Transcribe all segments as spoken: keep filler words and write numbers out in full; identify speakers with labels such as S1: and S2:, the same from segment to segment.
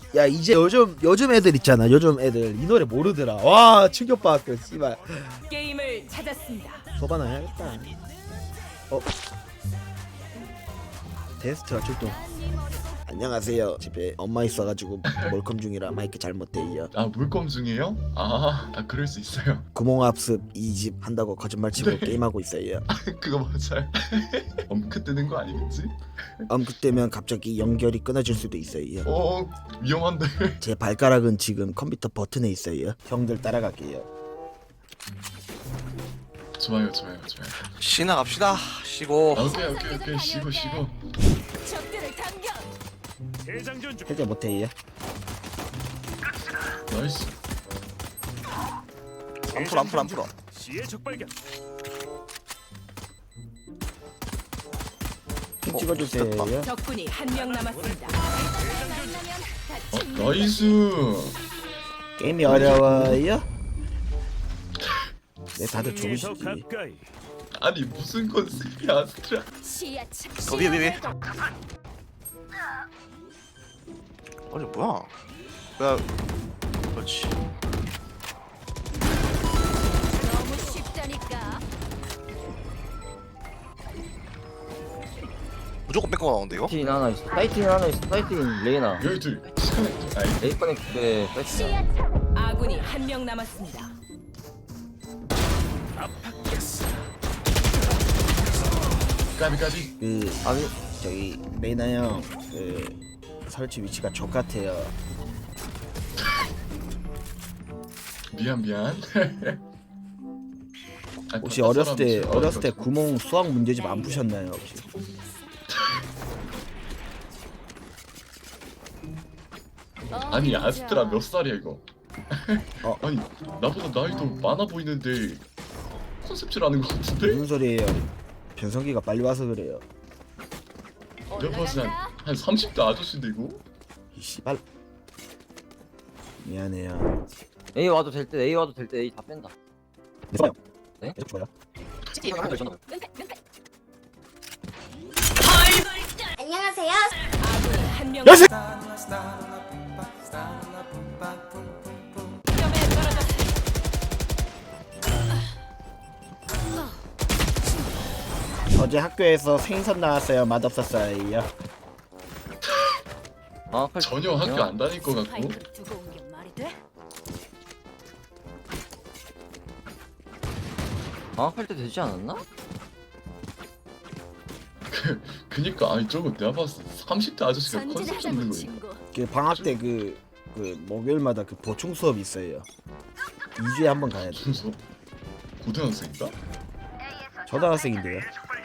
S1: 야 이제 요즘 요즘 애들 있잖아. 요즘 애들 이 노래 모르더라. 와 충격받았어. 씨발.
S2: 게임을 찾았습니다.
S1: 소바나 해야겠다. 어. 테스트가 출동. 안녕하세요. 집에 엄마 있어가지고 몰컴 중이라 마이크 잘못돼요.
S3: 아 물검 중이에요? 아, 아 그럴 수 있어요.
S1: 구멍합습 이 집 한다고 거짓말 치고
S3: 네.
S1: 게임하고 있어요.
S3: 그거 맞아요. 엄크 뜨는 거 아니겠지?
S1: 엄그 때면 갑자기 연결이 끊어질 수도 있어요.
S3: 어 위험한데.
S1: 제 발가락은 지금 컴퓨터 버튼에 있어요. 형들 따라갈게요.
S3: 좋아요 좋아요 좋아요.
S4: 쉬나 갑시다. 쉬고.
S3: 아, 오케이 오케이 오케이 쉬고 쉬고.
S2: 적들을 당겨.
S1: 해제 못해요.
S3: 나이스.
S4: 안 풀어 안 풀어 안 풀어.
S1: 핑 찍어주세요.
S2: 적군이 한 명 남았습니다.
S3: 어 나이스.
S1: 게임이 어려워요? 네 다들 좋으시지.
S3: 아니 무슨 컨셉이야 아스트라.
S4: 더 위에 위에 위에. 아니 뭐야? 야, 그렇지.
S2: 너무 쉽다니까.
S4: 무조건 뺏고 나오는데 이거?
S5: 사이트인 하나 있어. 사이트인 하나 있어. 사이트인 레이나.
S3: 여기 둘. 아이
S5: 레이컨의 그 사이트인.
S2: 아군이 한 명 남았습니다.
S3: 까비 까비.
S1: 그
S5: 아니
S1: 저기 레이나 형그 설치 위치가 족 같아요.
S3: 미안 미안. 아,
S1: 혹시
S3: 바깥
S1: 어렸을 때
S3: 사람이
S1: 어렸을 때
S3: 싫어가지고.
S1: 구멍 수학 문제집 안 푸셨나요 혹시?
S3: 아니 아스트라 몇 살이야 이거?
S1: 어.
S3: 아니 나보다 나이도 많아 보이는데 컨셉질하는 것 같은데?
S1: 무슨 소리예요? 변성기가 빨리 와서 그래요.
S3: 내가 봤을 때한 삼십 대 아저씨인데 이거?
S1: 이 씨발. 미안해요.
S5: A 와도 될 때 A 와도 될 때 A 다 뺀다.
S1: 네, 좋아요.
S5: 네?
S1: 계속 좋아요.
S6: 안녕하세요.
S2: 아군이 한 명.
S1: 야새!
S2: 점에 떨어졌습니다.
S1: 어제 학교에서 생선 나왔어요. 맛없었어요.
S5: 아, 칼
S3: 전혀 학교 안 다닐 것 같고.
S2: 스파이크를 두고 온 게 말이 돼?
S5: 아, 칼때 되지 않았나?
S3: 그니까 아니 저거 내가 봤을 때 삼십 대 아저씨가 컨셉 잡는
S2: 전진하자고
S3: 거예요.
S2: 친구.
S1: 그 방학 때 그 그 목요일마다 그 보충 수업 있어요. 이 주에 한 번 가야 돼.
S3: 무슨 수업? 고등학생인가?
S1: 초등학생인데요.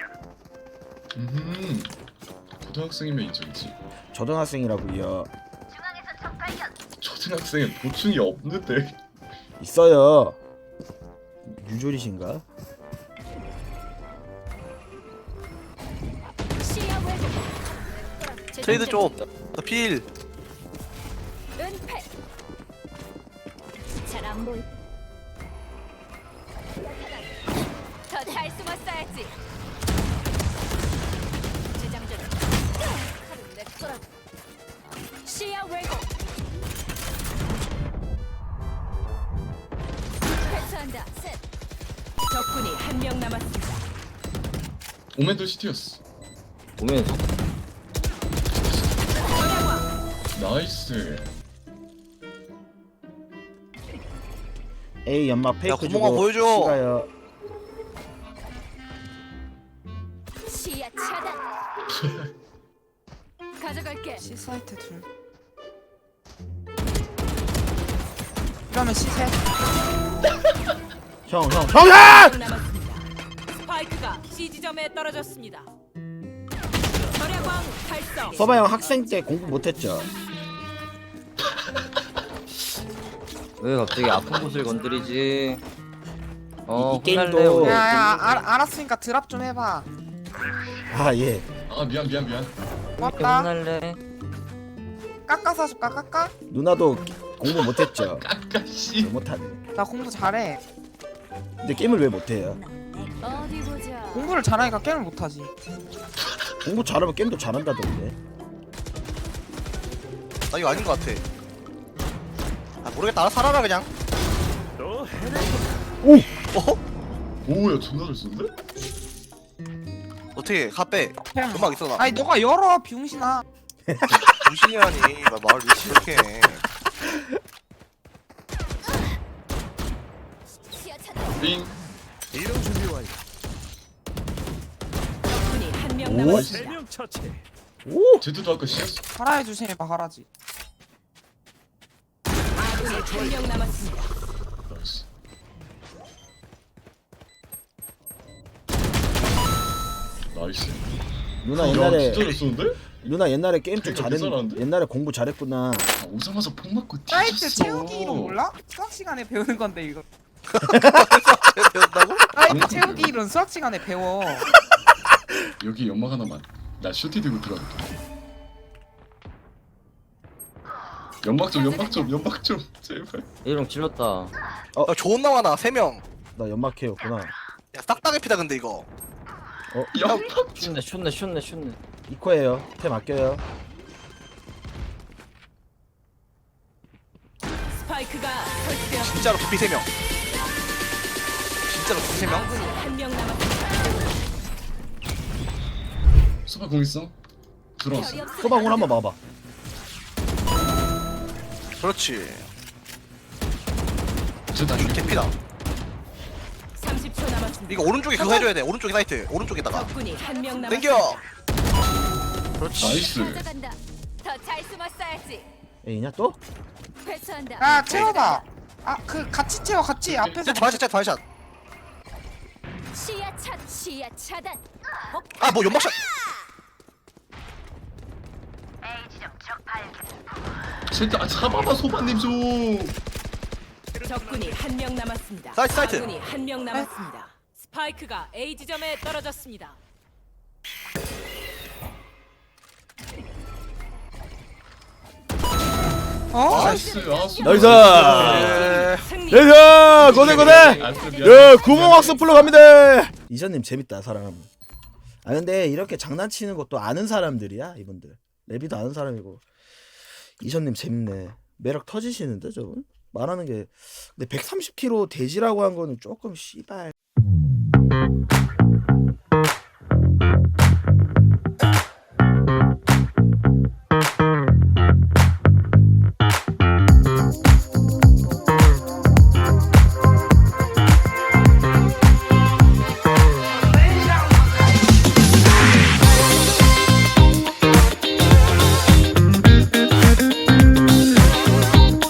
S3: 음. 고등학생이면 인정이지.
S1: 초등학생이라고요.
S3: 초등학생은 보충이 없는데.
S1: 있어요. 유졸이신가?
S2: 시야 왜곡.
S4: 트레이드 좀. 필.
S2: 은폐. 잘 안 보이. 더 잘 숨었어야지. 재장전. 칼은 내 거라고. 시야 왜곡. 회수한다. 셋. 적군이 한 명 남았습니다.
S3: 오멘도 시티였어.
S5: 보면서
S3: 나이스.
S1: A 연막 페이크
S4: 구멍아
S1: 주고
S4: 보여줘.
S1: C가요.
S2: 시야 차단. 가져갈게.
S7: C 사이트 둘. 이러면 C 셋.
S1: 형, 형, 형, 형!
S2: 명 남았습니다. 스파이크가 C 지점에 떨어졌습니다. 절야광 달성.
S1: 서바 형 학생 때 공부 못했죠?
S5: 왜 갑자기 아픈 곳을 건드리지? 어,
S1: 이- 이 게임도-
S5: 혼날래, 우리.
S7: 야야 알, 알았으니까 드랍 좀 해봐.
S1: 아 예.
S3: 아 미안 미안 미안.
S7: 고맙다.
S5: 혼날래.
S7: 깎아서 줄까 깎아?
S1: 누나도 공부 못했죠?
S3: 까까씨.
S1: 왜 못하네.
S7: 나 공부 잘해.
S1: 근데 게임을 왜 못해요?
S2: 어디 보자.
S7: 공부를 잘하니까 게임을 못하지.
S1: 공부 잘하면 게임도 잘한다던데.
S4: 나 이거 아닌 것 같아. 아 모르겠다. 알아서 살아라 그냥.
S1: 오!
S4: 어?
S3: 오야 존나 잘 쓰는데?
S4: 어떻게 카페
S7: 그냥.
S4: 음악 있어 나.
S7: 아니 너가 열어 비용신아.
S4: 무신이라니. 나 말을 왜 이렇게 해.
S3: 빙.
S2: 적군이 한 명
S1: 오.
S2: 남았습니다.
S1: 오!
S3: 제드도 아까 씨였어.
S7: 하라의 조심해 봐 하라지.
S2: 아군이 한 명 남았습니다.
S3: 나이스. 나이스.
S1: 누나
S3: 야,
S1: 옛날에
S3: 진짜 잘 쓰는데?
S1: 누나 옛날에 게임 좀
S3: 그러니까
S1: 잘했
S3: 괜찮았는데?
S1: 옛날에 공부 잘했구나.
S3: 아, 오자마자 폭 맞고
S7: 사이트
S3: 뒤졌어.
S7: 채우기 이론 몰라? 수학 시간에 배우는 건데 이거.
S4: 배운다고?
S7: 사이트 채우기 이론 수학 시간에 배워.
S3: 여기 연막 하나만. 나 슈티 들고 들어갈게. 연막 좀, 연막 좀, 연막 좀, 제발.
S5: A롱 질렀다.
S4: 야 좋은 나와나 세 명.
S1: 나 연막해였구나.
S4: 야 싹다 개피다 근데 이거.
S3: 연막.
S5: 슛네 슛네 슛네 슛네.
S1: 이코예요. 템 아껴요.
S2: 스파이크가 설치되었습니다.
S4: 진짜로 개피 세 명. 진짜로 개피 세 명.
S2: 아군이 한 명 남았습니다.
S3: 소바 공 있어? 들어왔어.
S1: 소방울 한번 봐봐.
S4: 그렇지.
S3: 제드
S4: 이거 개피다.
S2: 삼십 초 남았습니다.
S4: 이거 오른쪽에 그거 해줘야 돼. 오른쪽에 사이트. 오른쪽에다가.
S2: 적군이 한 명 남았습니다.
S4: 땡겨. 그렇지.
S3: 나이스.
S6: 가져간다. 더 잘 숨었어야지.
S1: 에이냐 또?
S6: 회수한다.
S7: 야 채워봐. 아 그 같이 채워 같이 앞에서.
S4: 진짜 반샷, 진짜 반샷.
S6: 시야 차 시야 차단.
S4: 아 뭐 연막샷.
S3: 제드 아 잡아봐 소바님 좀.
S2: 적군이 한 명 남았습니다.
S4: 사이트, 사이트.
S2: 아군이 한 명 남았습니다. 스파이크가 A 지점에 떨어졌습니다.
S7: 어?
S3: 나이스. 아 소.
S1: 나이스!
S4: 에...
S2: 승리.
S1: 나이스! 고생 고생!
S3: 안 쓰면 미안해.
S1: 야 구멍학습 풀러 갑니다. 이전님 재밌다 사람. 아 근데 이렇게 장난치는 것도 아는 사람들이야 이분들. 레비도 아는 사람이고. 이전님 재밌네. 매력 터지시는데 저분? 말하는 게 근데 백삼십 킬로그램 돼지라고 한 거는 조금 씨발.